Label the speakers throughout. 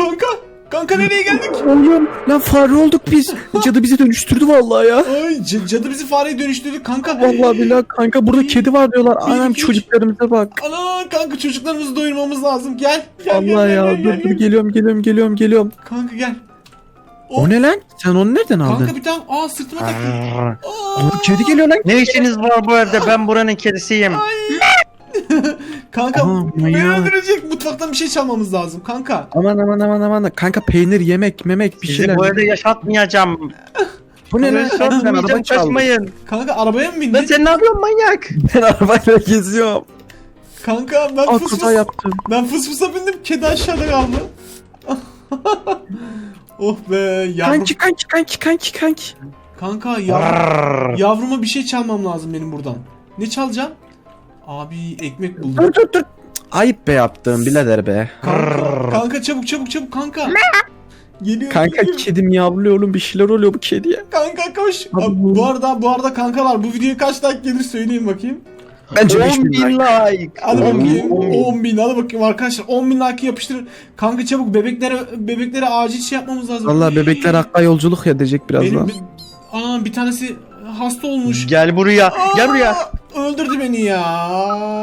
Speaker 1: Kanka. Kanka nereye geldik?
Speaker 2: Oğlum lan fare olduk biz. Cadı bizi dönüştürdü vallahi ya.
Speaker 1: Ay cadı bizi fareye dönüştürdü kanka.
Speaker 2: Vallahi billahi kanka burada kedi var diyorlar. Anam
Speaker 1: iki, üç.
Speaker 2: çocuklarımıza bak.
Speaker 1: Ana kanka çocuklarımızı doyurmamız lazım. Gel. Gel
Speaker 2: Allah
Speaker 1: gel,
Speaker 2: ya
Speaker 1: gel,
Speaker 2: dur
Speaker 1: gel,
Speaker 2: dur
Speaker 1: gel.
Speaker 2: geliyorum.
Speaker 1: Kanka gel.
Speaker 2: O ne lan? Sen onu nereden aldın?
Speaker 1: Kanka bir tane sırtıma taktım.
Speaker 2: Oğlum kedi geliyor lan.
Speaker 3: Ne işiniz var bu evde? Ben buranın kedisiyim.
Speaker 1: Kanka
Speaker 2: Aha,
Speaker 1: beni
Speaker 2: manyak.
Speaker 1: öldürecek. Mutfaktan bir şey çalmamız lazım kanka.
Speaker 2: Aman. Kanka peynir yemek memek bir
Speaker 3: Sizi
Speaker 2: şeyler.
Speaker 3: bu evde yaşatmayacağım.
Speaker 2: Bu ne lan?
Speaker 3: Sen
Speaker 2: Araba çaldı.
Speaker 3: kaçmayın.
Speaker 1: Kanka arabaya mı
Speaker 3: Lan
Speaker 1: bindin?
Speaker 3: sen ne yapıyorsun manyak?
Speaker 2: Ben arabayla geziyorum.
Speaker 1: Kanka ben
Speaker 2: Aa
Speaker 1: fıs
Speaker 2: kaza
Speaker 1: fıs.
Speaker 2: yaptım.
Speaker 1: Ben fıs fısa bindim. Kedi aşağıda kaldı. Oh be yavrum.
Speaker 2: Kanki.
Speaker 1: Kanka yavruma bir şey çalmam lazım benim buradan. Ne çalacağım? Abi ekmek buldum.
Speaker 2: Dur. Ayıp be yaptığım birader be.
Speaker 1: Kanka çabuk kanka. Geliyor.
Speaker 2: Kanka
Speaker 1: geliyor.
Speaker 2: kedim yavruyor oğlum bir şeyler oluyor bu kediye.
Speaker 1: Kanka koş.
Speaker 2: Abi
Speaker 1: Abi,
Speaker 2: bu-
Speaker 1: bu arada kankalar bu videoya kaç like gelir söyleyin bakayım.
Speaker 2: Bence
Speaker 3: 10
Speaker 2: 5000
Speaker 3: bin
Speaker 2: like.
Speaker 3: like.
Speaker 1: Hadi
Speaker 3: 10
Speaker 1: bakayım.
Speaker 3: bin.
Speaker 1: 10 bin. Hadi bakayım arkadaşlar. 10 bin like yapıştırın. Kanka çabuk bebeklere acil şey yapmamız lazım.
Speaker 2: Valla bebekler hakka yolculuk edecek birazdan.
Speaker 1: Ana bir tanesi hasta olmuş.
Speaker 3: Gel buraya. Gel buraya.
Speaker 1: Öldürdü beni ya.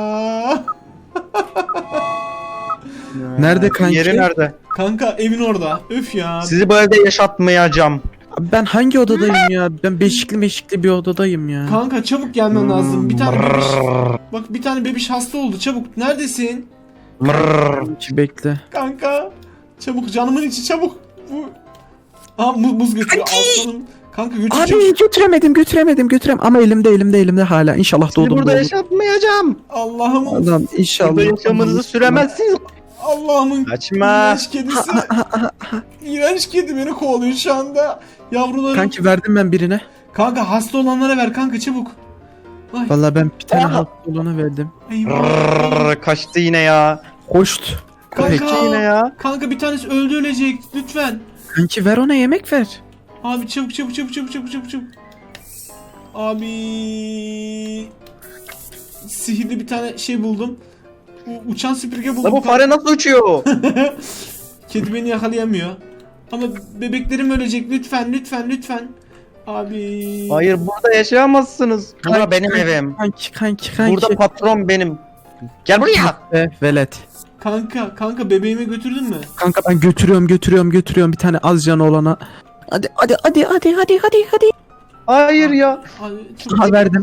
Speaker 2: Nerede kanki?
Speaker 3: Yeri nerede?
Speaker 1: Kanka evin orada. Öf ya.
Speaker 3: Sizi bu evde yaşatmayacağım.
Speaker 2: Abi ben hangi odadayım ya? Ben beşikli bir odadayım ya.
Speaker 1: Kanka çabuk gelmen lazım. Bir tane bebiş. Bak bir tane bebiş hasta oldu. Çabuk. Neredesin?
Speaker 2: Kanki bekle.
Speaker 1: Kanka. Çabuk canımın içi çabuk. Bu. Aa muz götürüyor. Aslanım. Kanka götür çabuk.
Speaker 2: Abi götüremem ama elimde hala. İnşallah
Speaker 3: Sizi
Speaker 2: doğdum.
Speaker 3: burada yaşatmayacağım.
Speaker 1: Allah'ım.
Speaker 2: Allah'ım inşallah.
Speaker 3: Burada yaşamınızı süremezsiniz.
Speaker 1: Allah'ımın
Speaker 3: Kaçma.
Speaker 1: iğrenç kedisi. İğrenç kedi beni kovalıyor şu anda. Yavrularım.
Speaker 2: Kanki verdim ben birine.
Speaker 1: Kanka hasta olanlara ver kanka çabuk. Ay.
Speaker 2: Valla ben bir tane
Speaker 3: Aa.
Speaker 2: hasta olana verdim.
Speaker 1: Eyvah.
Speaker 3: Kaçtı yine ya.
Speaker 2: Hoşt. Köpek.
Speaker 1: Kanka.
Speaker 3: Yine ya.
Speaker 1: Kanka bir tanesi öldü ölecek. Lütfen.
Speaker 2: Kanki ver ona yemek ver.
Speaker 1: Abi çabuk. Abi sihirli bir tane şey buldum. Uçan süpürge buldum.
Speaker 3: La bu fare nasıl uçuyor?
Speaker 1: Kedi beni yakalayamıyor. Ama bebeklerim ölecek. Lütfen. Abi.
Speaker 3: Hayır burada yaşayamazsınız. Bura benim evim.
Speaker 2: Kanki.
Speaker 3: Burada patron benim. Gel buraya.
Speaker 2: Velet.
Speaker 1: Kanka bebeğimi götürdün mü?
Speaker 2: Kanka ben götürüyorum bir tane az canı olana. Hadi.
Speaker 3: Hayır ya.
Speaker 1: Abi, çok...
Speaker 2: Ha verdim.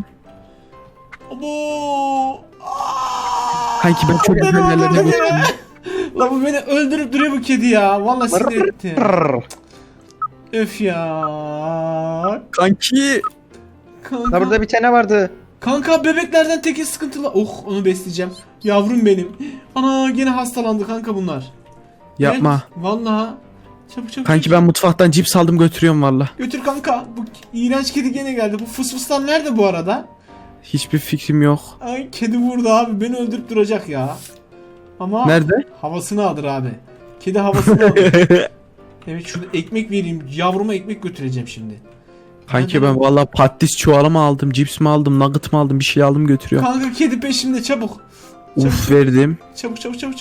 Speaker 1: Abo.
Speaker 2: Kanki ben çok
Speaker 1: Beni
Speaker 2: güzel yerlere
Speaker 1: öldürdü
Speaker 2: götürdüm.
Speaker 1: ya. La bu beni öldürüp duruyor bu kedi ya. Vallahi sinir etti. Öf ya.
Speaker 2: Kanki.
Speaker 1: Kanka.
Speaker 3: La burada bir tane vardı.
Speaker 1: Kanka bebeklerden teki sıkıntılı. Oh onu besleyeceğim. Yavrum benim. Ana gene hastalandı kanka bunlar.
Speaker 2: Yapma.
Speaker 1: Evet, vallahi. Çabuk.
Speaker 2: Kanki ben mutfaktan cips aldım götürüyorum valla.
Speaker 1: Götür kanka. Bu iğrenç kedi gene geldi. Bu fısfıslar nerede bu arada?
Speaker 2: Hiçbir fikrim yok.
Speaker 1: Ay kedi vurdu abi. Beni öldürüp duracak ya. Ama
Speaker 2: Nerede?
Speaker 1: havasını alır abi. Kedi havasını alır. Evet şurada ekmek vereyim. Yavruma ekmek götüreceğim şimdi.
Speaker 2: Kanki ben valla patates çuvalı mı aldım, cips mi aldım, nugget mı aldım bir şey aldım götürüyorum.
Speaker 1: Kanka kedi peşimde çabuk.
Speaker 2: Uf verdim.
Speaker 1: Çabuk.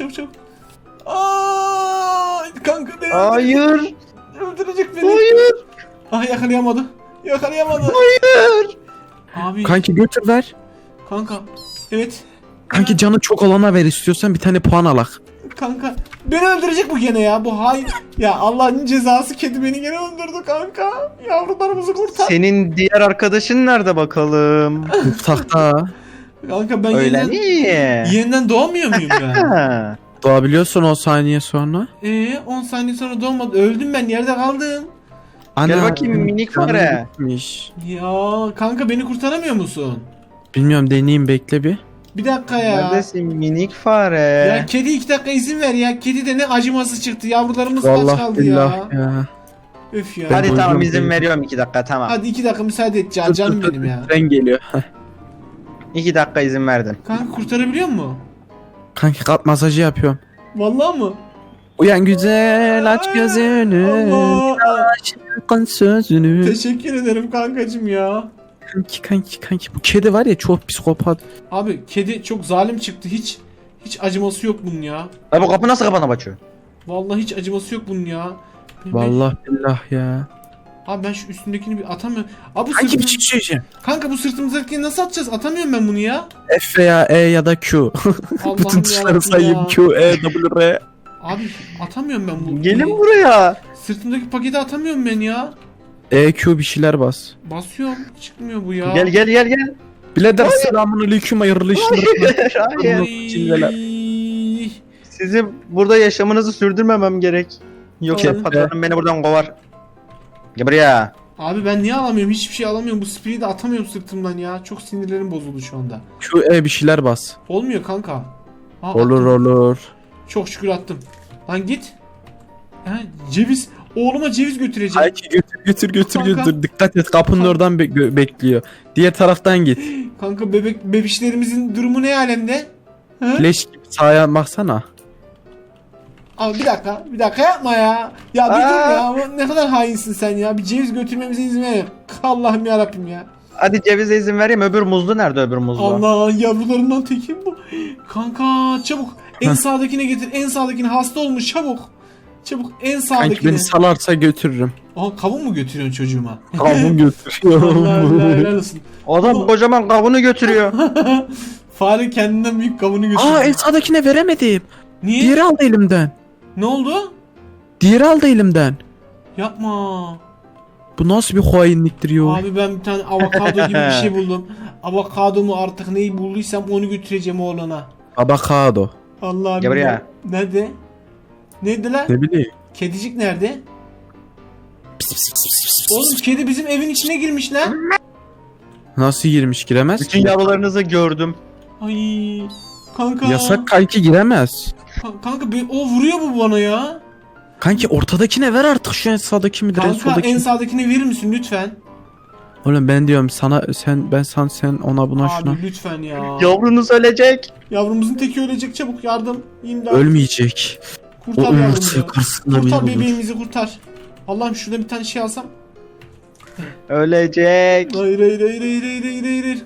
Speaker 1: Aa, kanka beni
Speaker 3: Hayır.
Speaker 1: öldürecek beni.
Speaker 3: Hayır.
Speaker 1: Ah yakalayamadı.
Speaker 3: Hayır.
Speaker 1: Abi
Speaker 2: Kanki götür ver.
Speaker 1: kanka. Evet.
Speaker 2: Kanki canı çok olana ver istiyorsan bir tane puan alak.
Speaker 1: Kanka beni öldürecek bu gene ya. Bu hain. Ya Allah'ın cezası kedi beni gene öldürdü kanka. Yavrularımızı kurtar.
Speaker 3: Senin diğer arkadaşın nerede bakalım?
Speaker 2: Mutfakta.
Speaker 1: Kanka ben
Speaker 3: Öyle mi?
Speaker 1: yeniden doğamıyor muyum ben?
Speaker 3: Ha.
Speaker 2: Doğabiliyorsun 10 saniye sonra.
Speaker 1: 10 saniye sonra doğmadı. Öldüm ben yerde kaldım.
Speaker 3: Gel bakayım minik
Speaker 2: canım
Speaker 3: fare.
Speaker 2: gitmiş.
Speaker 1: Ya kanka beni kurtaramıyor musun?
Speaker 2: Bilmiyorum deneyeyim bekle bir.
Speaker 1: Bir dakika ya.
Speaker 3: Neredesin minik fare?
Speaker 1: Ya kedi 2 dakika izin ver ya. Kedi de ne acıması çıktı. Yavrularımız kaç
Speaker 2: Vallahi
Speaker 1: kaldı
Speaker 2: billah
Speaker 1: ya.
Speaker 2: ya.
Speaker 1: Öf ya.
Speaker 3: Hadi
Speaker 2: Ben
Speaker 3: tamam
Speaker 2: boyunca-
Speaker 3: izin veriyorum 2 dakika tamam.
Speaker 1: Hadi 2 dakika müsaade et
Speaker 2: Dur,
Speaker 1: canım
Speaker 2: dur,
Speaker 1: benim ya.
Speaker 2: Tren geliyor.
Speaker 3: 2 dakika izin verdim.
Speaker 1: Kanka kurtarabiliyor mu?
Speaker 2: Kanki kalp masajı yapıyorum.
Speaker 1: Vallahi mı?
Speaker 2: Uyan güzel aç gözünü.
Speaker 1: Allah.
Speaker 2: Aşkın sözünü.
Speaker 1: Teşekkür ederim kankacım ya.
Speaker 2: Kanki bu kedi var ya çok psikopat.
Speaker 1: Abi kedi çok zalim çıktı. Hiç acıması yok bunun ya.
Speaker 3: La bu kapı nasıl kapana açıyor?
Speaker 1: Vallahi hiç acıması yok bunun ya.
Speaker 2: Vallahi billah ya.
Speaker 1: Abi ben şu üstündekini bir atamıyorum. Abi bu
Speaker 2: Kanki bir
Speaker 1: sırtım...
Speaker 2: şey söyleyeceğim.
Speaker 1: Kanka bu sırtımızdakini nasıl atacağız? Atamıyorum ben bunu ya.
Speaker 2: F veya E ya da Q.
Speaker 1: Allah'ım
Speaker 2: Bütün tuşları
Speaker 1: yarabbim
Speaker 2: sayayım.
Speaker 1: ya.
Speaker 2: Q, E, W, R.
Speaker 1: Abi atamıyorum ben bu.
Speaker 3: Gelin buraya.
Speaker 1: Sırtımdaki paketi atamıyorum ben ya.
Speaker 2: E, Q bir şeyler bas.
Speaker 1: Basıyorum. Çıkmıyor bu ya.
Speaker 3: Gel gel gel gel.
Speaker 2: Birader selamünaleyküm hayırlı işler.
Speaker 3: Hayır.
Speaker 2: Çingeler.
Speaker 1: Ay.
Speaker 3: Sizin burada yaşamınızı sürdürmemem gerek. Yoksa
Speaker 1: Tamam.
Speaker 3: patronum beni buradan kovar. Gel buraya.
Speaker 1: Abi ben niye alamıyorum? Hiçbir şey alamıyorum. Bu spreyi de atamıyorum sırtımdan ya. Çok sinirlerim bozuldu şu anda.
Speaker 2: Q, E bir şeyler bas.
Speaker 1: Olmuyor kanka. Ha,
Speaker 2: Olur
Speaker 1: attım.
Speaker 2: olur.
Speaker 1: Çok şükür attım. Lan git. Ha, ceviz. Oğluma ceviz götüreceğim.
Speaker 2: Kanki götür
Speaker 1: Kanka.
Speaker 2: götür. Dikkat et kapının
Speaker 1: Kanka.
Speaker 2: oradan bekliyor. Diğer taraftan git.
Speaker 1: Kanka bebişlerimizin durumu ne alemde? Ha?
Speaker 2: Leş gibi sağa baksana.
Speaker 1: Abi bir dakika yapma ya. Ya bir dur ya. Ne kadar hainsin sen ya. Bir ceviz götürmemize izin ver. Allah'ım yarabbim ya.
Speaker 3: Hadi cevize izin vereyim. Öbür muzlu nerede öbür muzlu?
Speaker 1: Allah yavrularından tekim bu. Kanka çabuk. En sağdakine getir. En sağdakine hasta olmuş çabuk. Çabuk en
Speaker 2: Kanki
Speaker 1: sağdakine.
Speaker 2: beni salarsa götürürüm.
Speaker 1: Aa kavun mu götürüyorsun çocuğuma?
Speaker 2: Kavun götürüyorum.
Speaker 1: Allah helal olsun.
Speaker 3: Adam kocaman kavunu götürüyor.
Speaker 1: Fare kendinden büyük kavunu götürüyor.
Speaker 2: Aa en sağdakine veremedim.
Speaker 1: Niye?
Speaker 2: Diğeri aldı elimden.
Speaker 1: Ne oldu?
Speaker 2: Diğeri aldı elimden.
Speaker 1: Yapma.
Speaker 2: Bu nasıl bir hainliktir yo?
Speaker 1: Abi ben bir tane avokado gibi bir şey buldum. Avokadomu artık neyi bulduysam onu götüreceğim oğlana.
Speaker 2: Avokado.
Speaker 1: Allah'ım.
Speaker 3: Gel buraya.
Speaker 1: Nerede? Nerede lan?
Speaker 2: Ne bileyim.
Speaker 1: Kedicik nerede? Oğlum kedi bizim evin içine girmiş lan.
Speaker 2: Nasıl girmiş giremez
Speaker 3: Bütün
Speaker 2: ki?
Speaker 3: yavrularınızı gördüm.
Speaker 1: Ay. Kanka.
Speaker 2: Yasak kanki giremez.
Speaker 1: Kanka o vuruyor bu bana ya.
Speaker 2: Kanki ortadakine ver artık şu en sağdaki midir en
Speaker 1: Kanka
Speaker 2: soldaki?
Speaker 1: en sağdakini verir misin lütfen?
Speaker 2: Oğlum ben diyorum sana sen ona buna şuna.
Speaker 1: Abi lütfen ya.
Speaker 3: Yavrunuz ölecek.
Speaker 1: Yavrumuzun teki ölecek çabuk yardım. İmdat.
Speaker 2: Ölmeyecek. O
Speaker 1: Kurtar
Speaker 2: umut
Speaker 1: yavrumuzu.
Speaker 2: karşısında
Speaker 1: Kurtar
Speaker 2: bir olur.
Speaker 1: bebeğimizi kurtar. Allah'ım şurada bir tane şey alsam.
Speaker 3: Ölecek.
Speaker 1: Hayır.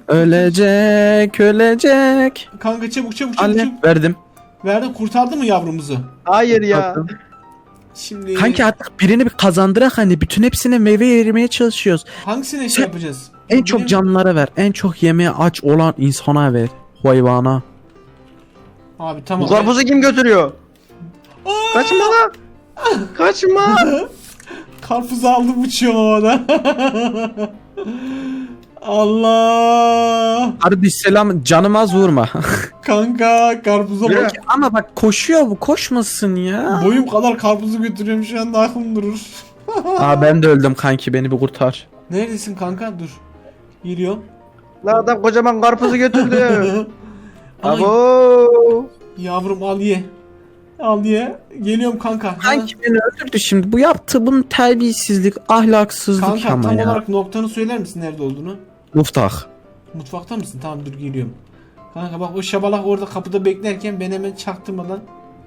Speaker 2: Ölecek.
Speaker 1: Kanka çabuk.
Speaker 2: Anne verdim.
Speaker 1: Verdim kurtardı mı yavrumuzu?
Speaker 3: Hayır ya.
Speaker 1: Şimdi
Speaker 2: Kanki artık birini bir kazandırak hani bütün hepsine meyve vermeye çalışıyoruz.
Speaker 1: hangisine
Speaker 2: Sen-
Speaker 1: şey yapacağız?
Speaker 2: En
Speaker 1: Benim-
Speaker 2: çok canlılara ver. En çok yemeğe aç olan insana ver. Hayvana.
Speaker 1: Abi tamam.
Speaker 3: Bu karpuzu kim götürüyor?
Speaker 1: Aa!
Speaker 3: Kaçma lan. Kaçma.
Speaker 1: Karpuzu aldım uçuyorum havada. Allah.
Speaker 2: Kardeş selam canım az vurma.
Speaker 1: Kanka karpuza
Speaker 3: Yürü.
Speaker 1: bak.
Speaker 2: Ama bak koşuyor bu koşmasın ya.
Speaker 1: Boyum kadar karpuzu götürüyorum şu anda aklım durur.
Speaker 2: Aa ben de öldüm kanki beni bir kurtar.
Speaker 1: Neredesin kanka? Dur. Geliyorum.
Speaker 3: Lan adam kocaman karpuzu götürdü.
Speaker 1: Ay,
Speaker 3: Abo.
Speaker 1: yavrum al ye. Al ye. Geliyorum kanka.
Speaker 2: Kanki beni öldürdü şimdi. Bu yaptığı bunun terbiyesizlik, ahlaksızlık
Speaker 1: Kanka
Speaker 2: ama
Speaker 1: tam
Speaker 2: ya.
Speaker 1: olarak noktanı söyler misin nerede olduğunu?
Speaker 2: Muftah.
Speaker 1: Mutfakta mısın? Tamam dur geliyorum. Kanka bak o şabalak orada kapıda beklerken ben hemen çaktırmadan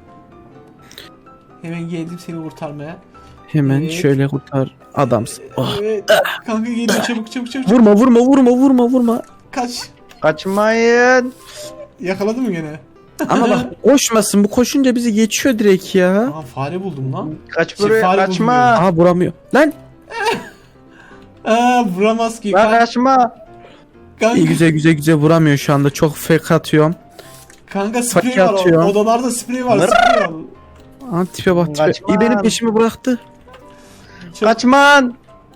Speaker 1: hemen geldim seni kurtarmaya.
Speaker 2: Hemen
Speaker 1: Evet.
Speaker 2: şöyle kurtar adamsın. Oh.
Speaker 1: Evet. Kanka geliyor çabuk.
Speaker 2: Vurma.
Speaker 1: Kaç.
Speaker 3: Kaçmayın.
Speaker 1: Yakaladı mı gene?
Speaker 2: Ama bak koşmasın. Bu koşunca bizi geçiyor direkt ya.
Speaker 1: Aa fare buldum lan.
Speaker 3: Kaç
Speaker 1: Şey,
Speaker 3: buraya
Speaker 1: fare
Speaker 3: kaçma.
Speaker 2: Aa vuramıyor. Lan
Speaker 1: Aa vuramaz ki.
Speaker 3: Lan kaçma.
Speaker 1: Kanka,
Speaker 2: iyi güzel vuramıyor şu anda. Çok fake atıyorum.
Speaker 1: kanka sprey
Speaker 2: Fake
Speaker 1: var.
Speaker 2: atıyor.
Speaker 1: Odalarda sprey var.
Speaker 3: Nır.
Speaker 1: Sprey al.
Speaker 2: Aa tipe bak tipe.
Speaker 3: Kaçma.
Speaker 2: İyi benim peşimi bıraktı.
Speaker 3: Kaçman.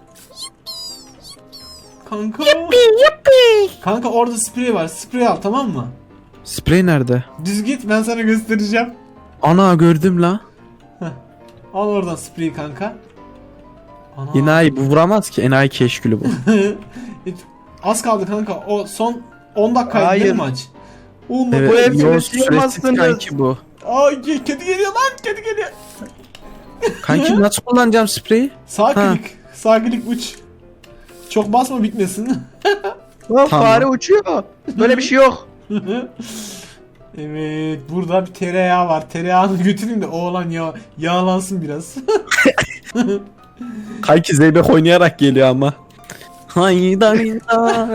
Speaker 1: Kanka. Kanka orada sprey var. Sprey al tamam mı?
Speaker 2: Sprey nerede?
Speaker 1: Düz git ben sana göstereceğim.
Speaker 2: Ana gördüm la.
Speaker 1: Al oradan spreyi kanka. Ana.
Speaker 2: Enayi bu vuramaz ki. Enayi keşkülü bu.
Speaker 1: Az kaldı kanka. O son 10 dakikaydı değil mi
Speaker 3: Hayır.
Speaker 1: maç? 10
Speaker 2: Evet,
Speaker 3: Bu hepsini
Speaker 2: yo,
Speaker 3: sıyırmazsınız.
Speaker 2: süresiz kanki bu.
Speaker 1: Ay kedi geliyor lan kedi geliyor.
Speaker 2: Kanki nasıl kullanacağım spreyi?
Speaker 1: Sağ
Speaker 2: Ha.
Speaker 1: klik. Sağ klik uç. Çok basma bitmesin.
Speaker 3: Lan
Speaker 2: Tamam.
Speaker 3: fare uçuyor. Böyle bir şey yok.
Speaker 1: Evet burada bir tereyağı var. Tereyağını götüreyim de oğlan yağlansın biraz.
Speaker 2: Kanki zeybek oynayarak geliyor ama.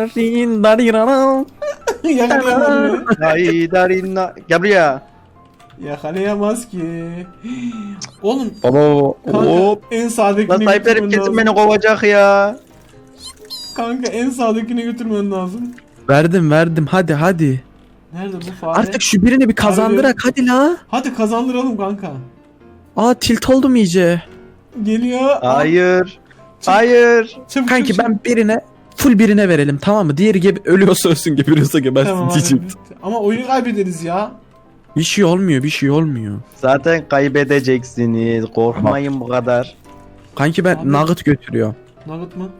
Speaker 2: Haydarindarindarindarindarin.
Speaker 1: Yakaladım.
Speaker 3: Haydarinna. Gel buraya.
Speaker 1: Yakalayamaz ki. Oğlum
Speaker 2: Baba
Speaker 1: kanka
Speaker 2: hop.
Speaker 1: en
Speaker 3: Lan
Speaker 1: sağdakine
Speaker 3: sahiplerim
Speaker 1: götürmen
Speaker 3: kesin
Speaker 1: lazım.
Speaker 3: beni kovacak ya.
Speaker 1: Kanka en sağdakine götürmen lazım.
Speaker 2: Verdim hadi.
Speaker 1: Nerede bu fare?
Speaker 2: Artık şu birini bir kazandırak hadi la.
Speaker 1: Hadi kazandıralım kanka.
Speaker 2: Aa tilt oldum iyice.
Speaker 1: Geliyor.
Speaker 3: Hayır.
Speaker 1: Çık.
Speaker 3: Hayır.
Speaker 1: Çabuk,
Speaker 2: Kanki
Speaker 1: çabuk,
Speaker 2: ben birine full birine verelim tamam mı? Diğeri ölüyorsa ölsün geberiyorsa gebersin
Speaker 1: Tamam,
Speaker 2: diyeceğim.
Speaker 1: hadi. Ama oyunu kaybederiz ya.
Speaker 2: Bir şey olmuyor.
Speaker 3: Zaten kaybedeceksiniz. Korkmayın bu kadar.
Speaker 2: Kanki ben
Speaker 1: Abi.
Speaker 2: nugget götürüyorum.
Speaker 1: Nugget mı?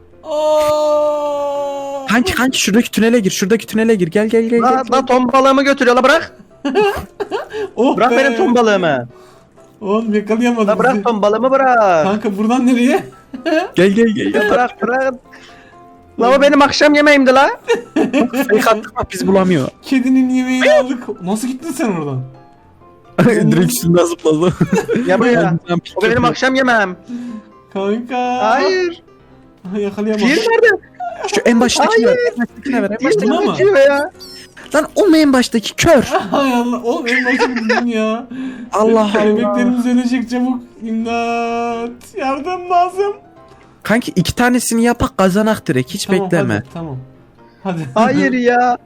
Speaker 1: Aa!
Speaker 2: Kanki şuradaki tünele gir gel.
Speaker 3: La ton balığımı götürüyor la bırak.
Speaker 1: Oh
Speaker 3: Bırak
Speaker 1: be.
Speaker 3: benim ton balığımı.
Speaker 1: Oğlum yakalayamadım.
Speaker 3: La bırak ton balığımı bırak.
Speaker 1: Kanka buradan nereye?
Speaker 2: Gel.
Speaker 3: Ya bırak. La o benim akşam yemeğimdi la.
Speaker 2: Fake attık bak biz bulamıyor.
Speaker 1: Kedinin yemeğini aldık. Nasıl gittin sen oradan?
Speaker 2: Direkt üstünden zıpladı.
Speaker 3: Ya buraya. O benim akşam yemeğim.
Speaker 1: Kanka.
Speaker 3: Hayır.
Speaker 1: Yakalayamadım.
Speaker 3: Diğeri nerede?
Speaker 2: Şu en baştakine ver.
Speaker 3: Hayır.
Speaker 2: En baştakine ver. En
Speaker 3: Diğeri
Speaker 2: baştakine
Speaker 1: Buna mı?
Speaker 3: kaçıyor ya.
Speaker 2: Lan o mu en baştaki kör?
Speaker 1: Hay Allah. Oğlum en başta buldun ya.
Speaker 2: Allah.
Speaker 1: Bebeklerimiz ölecek çabuk. İmdat. Yardım lazım.
Speaker 2: Kanki 2 tanesini yapak kazanak direkt hiç bekleme.
Speaker 1: Hadi, tamam. Hadi.
Speaker 3: Hayır ya.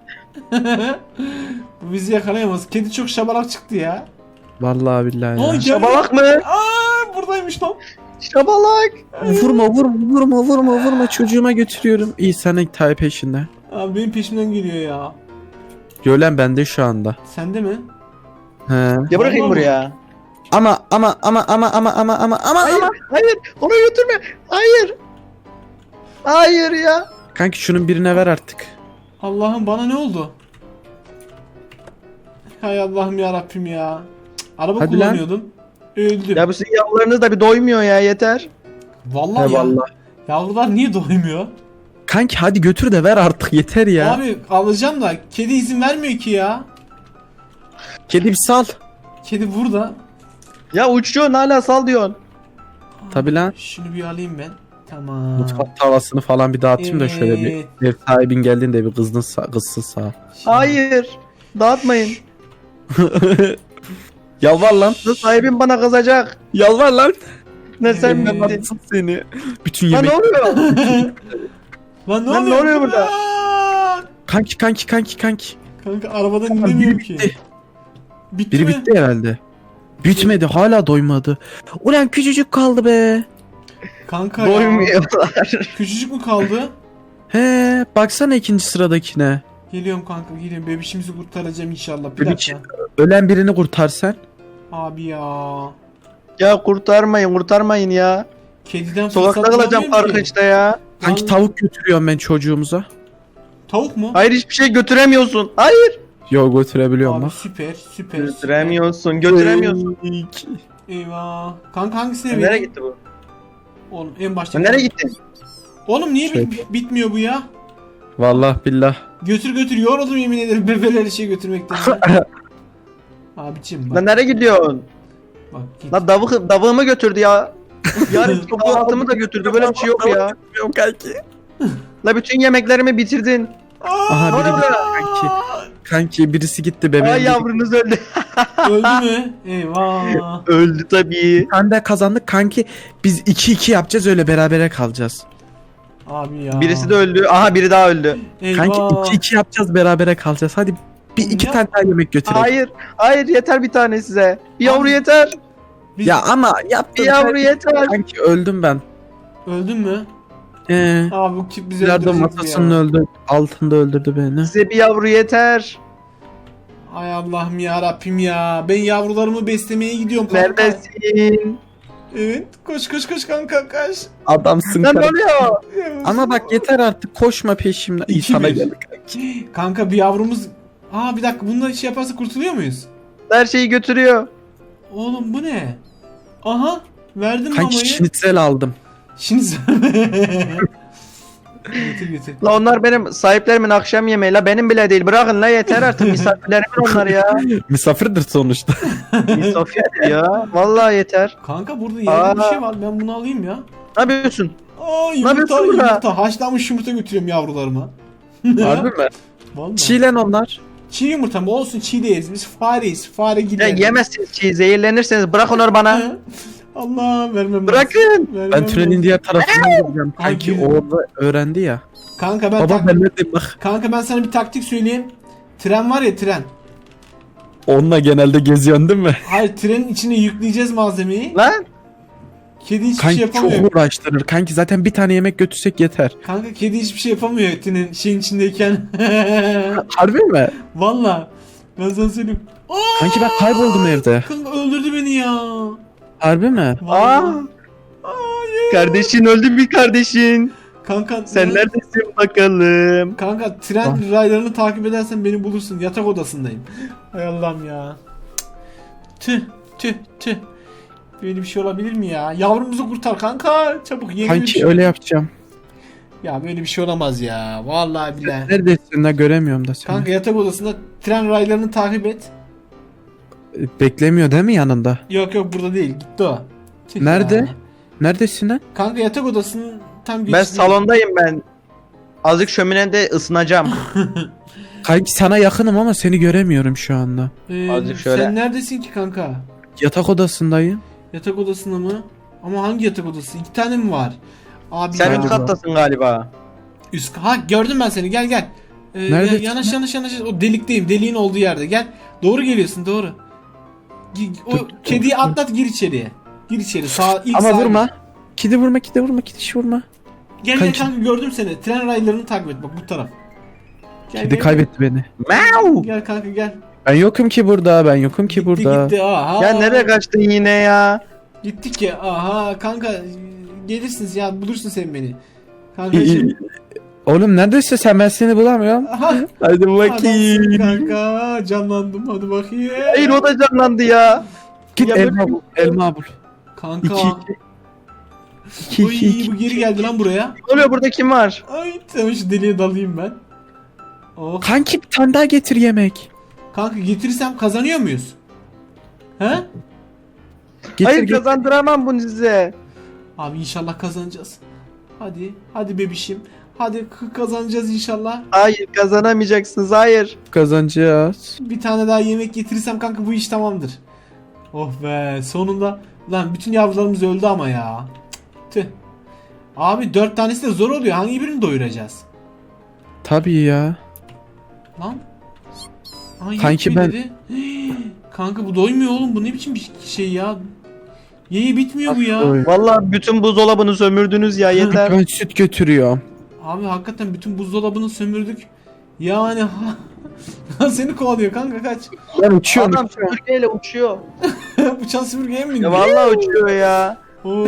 Speaker 1: Bu bizi yakalayamaz. Kedi çok şabalak çıktı ya.
Speaker 2: Vallahi billahi
Speaker 1: Ay,
Speaker 2: ya.
Speaker 1: gel.
Speaker 3: Şabalak mı?
Speaker 1: Aa, buradaymış lan.
Speaker 3: Şabalak.
Speaker 2: Vurma çocuğuma götürüyorum. İyi senin tay peşinde.
Speaker 1: Abi benim peşimden geliyor ya.
Speaker 2: Gölen bende şu anda.
Speaker 1: Sende mi?
Speaker 2: He.
Speaker 3: Ya bırakayım
Speaker 1: Vallahi
Speaker 3: buraya.
Speaker 2: Ama.
Speaker 3: Hayır. Onu götürme. Hayır. Hayır ya.
Speaker 2: Kanki şunun birine ver artık.
Speaker 1: Allah'ım bana ne oldu? Hay Allah'ım ya Rabbim ya. Cık, araba
Speaker 2: Hadi lan.
Speaker 1: kullanıyordum. Öldüm.
Speaker 3: Ya bu sizin yavrularınız da bir doymuyor ya yeter.
Speaker 1: Vallahi ya.
Speaker 2: Eyvallah.
Speaker 1: Yavrular niye doymuyor?
Speaker 2: Kanki hadi götür de ver artık yeter ya.
Speaker 1: Abi alacağım da kedi izin vermiyor ki ya.
Speaker 2: Kedi bir sal.
Speaker 1: Kedi burada.
Speaker 3: Ya uçuyorsun hala sal diyorsun.
Speaker 2: Tabi lan.
Speaker 1: Şunu bir alayım ben. Tamam.
Speaker 2: Mutfak tavasını falan bir dağıtayım da şöyle
Speaker 1: Evet.
Speaker 2: bir ev sahibin geldiğinde bir kızsın sağ.
Speaker 1: Şimdi-
Speaker 3: Hayır. Dağıtmayın.
Speaker 2: Yalvar lan.
Speaker 3: Sahibim bana kızacak.
Speaker 2: Yalvar lan.
Speaker 3: Ne sen
Speaker 1: Evet.
Speaker 3: bittin.
Speaker 2: Anlatsın seni. Bütün
Speaker 3: Lan
Speaker 2: yemek.
Speaker 3: ne oluyor?
Speaker 1: Lan ne
Speaker 3: Lan ne
Speaker 1: oluyor,
Speaker 3: oluyor burada?
Speaker 1: Aa!
Speaker 2: Kanki.
Speaker 1: Kanka arabadan
Speaker 2: Biri
Speaker 1: inemiyorum ki.
Speaker 2: bitti.
Speaker 1: Bitti
Speaker 2: Biri
Speaker 1: mi?
Speaker 2: bitti herhalde. Bitmedi hala doymadı. Ulan küçücük kaldı be.
Speaker 1: Kanka ya.
Speaker 3: Doymuyorlar.
Speaker 1: Küçücük mü kaldı?
Speaker 2: He baksana ikinci sıradakine.
Speaker 1: Geliyorum kanka geliyorum. Bebişimizi kurtaracağım inşallah. Bir
Speaker 2: Bebiş.
Speaker 1: dakika.
Speaker 2: Ölen birini kurtar sen.
Speaker 1: Abi ya.
Speaker 3: Ya kurtarmayın ya.
Speaker 1: Kediden
Speaker 3: Sokakta
Speaker 1: fırsat
Speaker 3: kalacağım
Speaker 1: bulamıyorum ki.
Speaker 3: parkınçta ya.
Speaker 2: Kanki
Speaker 1: Lan-
Speaker 2: tavuk götürüyorum ben çocuğumuza.
Speaker 1: Tavuk mu?
Speaker 3: Hayır hiçbir şey götüremiyorsun. Hayır.
Speaker 2: Yo götürebiliyorum
Speaker 1: Abi
Speaker 2: bak.
Speaker 1: süper.
Speaker 3: Götüremiyorsun.
Speaker 1: Eyvah. Kanka hangisine
Speaker 3: Nereye
Speaker 1: vereyim?
Speaker 3: gitti bu?
Speaker 1: Oğlum en başta.
Speaker 3: Nereye gittin?
Speaker 1: Oğlum niye
Speaker 2: Şey-
Speaker 1: bitmiyor bu ya?
Speaker 2: Vallahi billah.
Speaker 1: Götür yoruldum yemin ederim bebeleri şey götürmekten. Abicim bak.
Speaker 3: Lan nereye gidiyorsun?
Speaker 1: Bak git.
Speaker 3: Lan davığımı götürdü ya. Yarın kahvaltımı da götürdü. Böyle bir şey yok ya.
Speaker 2: Yok kanki.
Speaker 3: La bütün yemeklerimi bitirdin.
Speaker 2: Aha
Speaker 3: Ne
Speaker 2: biri
Speaker 3: oluyor
Speaker 2: gitti
Speaker 3: burada?
Speaker 2: kanki. Kanki birisi gitti bebeğim.
Speaker 3: Ay yavrunuz öldü.
Speaker 1: Öldü mü? Eyvah.
Speaker 3: Öldü tabii.
Speaker 2: Sen de kazandık kanki. Biz 2-2 yapacağız öyle berabere kalacağız.
Speaker 1: Abi ya.
Speaker 3: Birisi de öldü. Aha biri daha öldü.
Speaker 2: Kanki
Speaker 1: Eyvah.
Speaker 2: 2-2 yapacağız berabere kalacağız. Hadi bir iki
Speaker 1: Ya.
Speaker 2: tane daha yemek götürelim.
Speaker 3: Hayır yeter bir tane size. Bir yavru
Speaker 1: Abi.
Speaker 3: yeter.
Speaker 1: Biz-
Speaker 2: Ya ama
Speaker 3: Bir
Speaker 2: yaptın.
Speaker 3: yavru yeter.
Speaker 2: Kanki öldüm ben.
Speaker 1: Öldün mü?
Speaker 2: Abi
Speaker 1: bu kim bizi
Speaker 2: ileride
Speaker 1: öldürecek
Speaker 2: masasının
Speaker 1: ya.
Speaker 2: öldü. Altında öldürdü beni.
Speaker 3: Size bir yavru yeter.
Speaker 1: Ay Allah'ım ya Rabbim ya. Ben yavrularımı beslemeye gidiyorum kanka.
Speaker 3: Neredesin?
Speaker 1: Evet. Koş kanka koş.
Speaker 2: Adamsın
Speaker 3: Lan ne
Speaker 2: kanki.
Speaker 3: oluyor?
Speaker 2: Ama bak yeter artık koşma peşimden. İyi
Speaker 1: İki
Speaker 2: sana
Speaker 1: bir.
Speaker 2: geldik kanki.
Speaker 1: Kanka bir yavrumuz... Aa bir dakika bununla şey yaparsa kurtuluyor muyuz?
Speaker 3: Her şeyi götürüyor.
Speaker 1: Oğlum bu ne? Aha. Verdim
Speaker 2: Kanki
Speaker 1: mamayı.
Speaker 2: şnitzel aldım.
Speaker 1: Şimdi sen... Getir.
Speaker 3: La onlar benim sahiplerimin akşam yemeği. La benim bile değil. Bırakın la yeter artık. Misafirlerimin onlar ya.
Speaker 2: Misafirdir sonuçta.
Speaker 3: Misafir ya. Vallahi yeter.
Speaker 1: Kanka burada yerde bir
Speaker 3: Aa.
Speaker 1: şey var. Ben bunu alayım ya.
Speaker 3: Ne yapıyorsun?
Speaker 1: Aa
Speaker 3: yapıyorsun burada?
Speaker 1: yumurta. Haşlanmış yumurta götürüyorum yavrularıma.
Speaker 2: Harbi mi?
Speaker 1: Vallahi.
Speaker 2: Çiğlen onlar.
Speaker 1: Çiğ yumurta mı? Olsun, çiğ de yeriz. Biz fareyiz. Fare
Speaker 3: Ya
Speaker 1: gider.
Speaker 3: yemezsiniz çiğ, zehirlenirseniz bırak onları bana.
Speaker 1: Allah vermem.
Speaker 3: Bırakın.
Speaker 1: Vermem
Speaker 2: Ben tünelin
Speaker 1: lazım.
Speaker 2: diğer tarafına gideceğim.
Speaker 1: Ay,
Speaker 2: Kanki
Speaker 1: güzel.
Speaker 2: orada öğrendi ya.
Speaker 1: Kanka ben
Speaker 2: Baba ben neredeyim bak.
Speaker 1: Kanka ben sana bir taktik söyleyeyim. Tren var ya, tren.
Speaker 2: Onunla genelde geziyorsun değil mi?
Speaker 1: Hayır, trenin içine yükleyeceğiz malzemeyi.
Speaker 3: Lan.
Speaker 1: Kedi hiçbir
Speaker 2: Kanki
Speaker 1: şey yapamıyor.
Speaker 2: çok uğraştırır. Kanki zaten bir tane yemek götürsek yeter.
Speaker 1: Kanka kedi hiçbir şey yapamıyor trenin şeyin içindeyken.
Speaker 2: Harbi mi?
Speaker 1: Valla. Ben sana söyleyeyim. Aa!
Speaker 2: Kanki ben kayboldum evde.
Speaker 1: Kanka öldürdü beni ya.
Speaker 2: Harbi mi?
Speaker 3: Aa.
Speaker 1: Vallahi. Hayır.
Speaker 3: Kardeşin öldü mü kardeşin?
Speaker 1: Kanka
Speaker 3: Sen neredesin bakalım?
Speaker 1: Kanka tren raylarını takip edersen beni bulursun. Yatak odasındayım. Hay Allah'ım ya. Tüh tüh tüh. Böyle bir şey olabilir mi ya? Yavrumuzu kurtar kanka. Çabuk yeni bir
Speaker 2: Kanki
Speaker 1: şey.
Speaker 2: öyle yapacağım.
Speaker 1: Ya böyle bir şey olamaz ya. Vallahi billahi.
Speaker 2: Neredesin de göremiyorum da seni.
Speaker 1: Kanka yatak odasında tren raylarını takip et.
Speaker 2: Beklemiyor değil mi yanında?
Speaker 1: Yok yok, burada değil. Gitti o. Tüh
Speaker 2: Nerede?
Speaker 1: ya.
Speaker 2: Neredesin lan?
Speaker 1: Kanka yatak odasının tam
Speaker 3: Ben
Speaker 1: girişinde.
Speaker 3: salondayım ben. Azıcık şöminede ısınacağım.
Speaker 2: Kanki sana yakınım ama seni göremiyorum şu anda.
Speaker 3: Azıcık şöyle.
Speaker 1: Sen neredesin ki kanka?
Speaker 2: Yatak odasındayım.
Speaker 1: Yatak odasında mı? Ama hangi yatak odası? 2 tane mi var? Abi
Speaker 3: Sen
Speaker 1: ya.
Speaker 3: üst kattasın galiba.
Speaker 1: Ha, gördüm ben seni. Gel gel.
Speaker 2: Nerede?
Speaker 1: Yanaş. O delikteyim. Deliğin olduğu yerde. Gel. Doğru geliyorsun, doğru. O kediyi atlat, gir içeriye. Gir içeri. İlk
Speaker 2: Ama
Speaker 1: sağa
Speaker 2: vurma.
Speaker 1: gir.
Speaker 2: Kedi vurma, kedi vurma.
Speaker 1: Gel
Speaker 2: Kanki.
Speaker 1: kanka, gördüm seni. Tren raylarını takip et, bak bu taraf. Gel,
Speaker 2: Kedi
Speaker 1: gel.
Speaker 2: kaybetti beni.
Speaker 3: Mau!
Speaker 1: Gel kanka gel.
Speaker 2: Ben yokum ki burada,
Speaker 1: Gitti. Aha.
Speaker 3: Ya nereye kaçtın yine ya?
Speaker 1: Gittik ya. Aha kanka, gelirsiniz ya, bulursun sen beni. Kanka
Speaker 2: İyi,
Speaker 1: şimdi.
Speaker 2: iyi. Oğlum neredesin sen? Ben seni bulamıyorum.
Speaker 1: Aha.
Speaker 2: Hadi
Speaker 1: Adamsın
Speaker 2: bakayım.
Speaker 1: kanka. Canlandım, hadi bakayım.
Speaker 3: Hayır o da canlandı ya.
Speaker 2: Git
Speaker 3: Ya
Speaker 2: elma
Speaker 3: böyle-
Speaker 2: bul. Elma bul.
Speaker 1: Kanka.
Speaker 2: 2
Speaker 1: Oy,
Speaker 2: 2
Speaker 1: bu geri geldi lan buraya.
Speaker 3: Ne oluyor, burada kim var?
Speaker 1: Ay tamam, şu deliğe dalayım ben. Oh.
Speaker 2: Kanki bir tane daha getir yemek.
Speaker 1: Kanka getirirsem kazanıyor muyuz? He?
Speaker 2: Getir,
Speaker 3: Hayır
Speaker 2: getir.
Speaker 3: kazandıramam bunu size.
Speaker 1: Abi inşallah kazanacağız. Hadi. Hadi bebişim. Hadi kazanacağız inşallah.
Speaker 3: Hayır kazanamayacaksınız, hayır.
Speaker 2: Kazanacağız.
Speaker 1: Bir tane daha yemek getirirsem kanka bu iş tamamdır. Oh be, sonunda. Lan bütün yavrularımız öldü ama ya. Tüh. Abi 4 tanesi de zor oluyor. Hangi birini doyuracağız?
Speaker 2: Tabii ya.
Speaker 1: Lan. Ay,
Speaker 2: Kanki
Speaker 1: yetmiyor
Speaker 2: ben-
Speaker 1: dedi. Kanka bu doymuyor oğlum. Bu ne biçim bir şey ya? Yeyi bitmiyor bu ya.
Speaker 2: Oy.
Speaker 3: Vallahi bütün buzdolabını sömürdünüz ya, yeter.
Speaker 2: Ben süt götürüyorum.
Speaker 1: Abi hakikaten bütün buzdolabını sömürdük. Yani seni kovalıyor kanka, kaç.
Speaker 2: Ben uçuyorum.
Speaker 3: Adam süpürgeyle uçuyor.
Speaker 1: Uçan süpürgeye mi bindi?
Speaker 3: Ya vallahi uçuyor ya.
Speaker 1: Oo.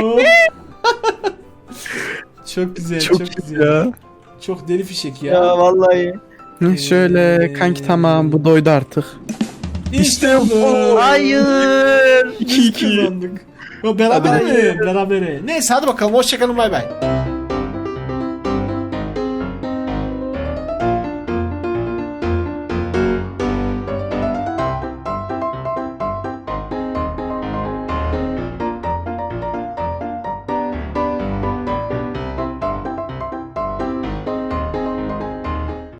Speaker 1: Çok güzel,
Speaker 2: Çok
Speaker 1: çok,
Speaker 2: iyi
Speaker 1: güzel.
Speaker 2: ya.
Speaker 1: Çok deli fişek ya.
Speaker 3: Ya vallahi.
Speaker 2: Hı, şöyle kanki tamam bu doydu artık.
Speaker 1: İşte bu.
Speaker 3: Hayır.
Speaker 1: Biz kazandık. Yo, berabere mi? Berabere. Neyse hadi bakalım, hoşçakalın, bay bay.